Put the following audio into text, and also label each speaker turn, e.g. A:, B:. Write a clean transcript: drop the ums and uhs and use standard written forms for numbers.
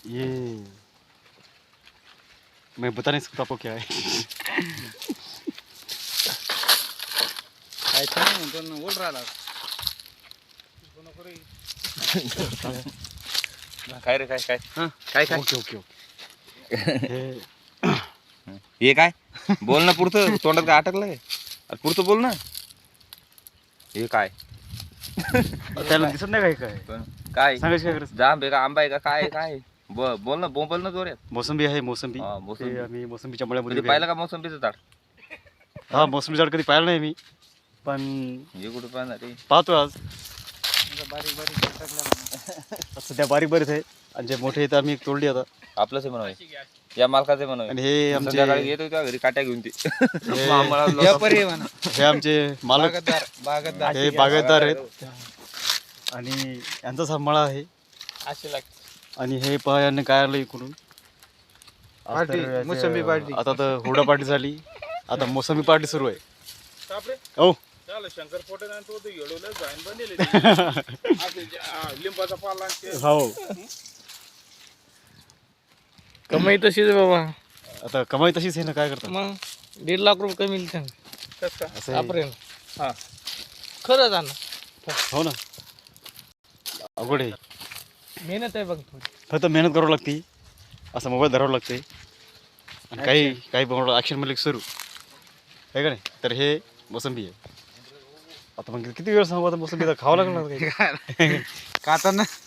A: ये मैं बता नहीं सकता आपको क्या है.
B: काय छान पण ओढ राहिला
C: काय रे काय काय काय काय
A: ओके ओके ओके. हे
C: हे काय बोल ना पुढचं तोंडात काय अटकलंय पुढचं बोल ना हे काय
A: त्याला दिसत नाही काय काय
C: काय
A: सांगायचं काय गरज.
C: जांब आहे का आंबा आहे का काय काय बोल ना बोल ना जोऱ्यात
A: मोसंबी आहे मोसंबी.
C: हा, मोसंबी.
A: ते आम्ही मोसंबीच्या मळ्यामध्ये
C: कधी
A: उभे
C: पाहिलं
A: आहे.
C: का मोसंबीचं झाड
A: हा मोसंबी झाड कधी पाहिलं नाही मी पण
C: हे कुठं पाहणार रे
A: पाहतो आज.
B: बारीक बारीक टाकल्या
A: सध्या बारीक बरेच आहे आणि जे मोठे आहेत आम्ही तोडली आता.
C: आपलंच आहे म्हणून या मालकाचे म्हणून
A: आणि हे आमचे
C: संध्याकाळी येतो त्या घरी काट्या घेऊन ते
A: हे-
C: आम्हाला
B: व्यापारी म्हणा
A: हे आमचे मालक
B: बागतदार
A: हे बागायतदार आहेत आणि यांचाच हा मळा आहे.
B: असे लागते
A: आणि हे पहा यांनी काय आणलं इकडून आज
B: पार्टी,
A: तर याचे-
B: मोसंबी पार्टी.
A: आता तर हुरडा पार्टी झाली आता मोसंबी पार्टी सुरू आहे. हो
B: शंकर पोटे तो येडवलं जाईन बनले लिंबाचा पाला
A: हो
D: कमाई तशीच बाबा.
A: आता कमाई तशीच आहे ना काय करतात
D: मग 1.5 लाख रुपये कमी
A: असं आहे.
D: वापरेल
B: हा
D: खरंच आहे
A: हो ना अवघड आहे.
D: मेहनत आहे बघ थोडी.
A: फक्त मेहनत करावं लागते असं मोबाईल धरावं लागते आणि काही काही ॲक्शन मध्ये सुरू आहे का नाही. तर हे मोसंबी आहे. आता मग किती वेळ सांगू आता मोसंबी तर खावं लागणार काही.
B: खाताना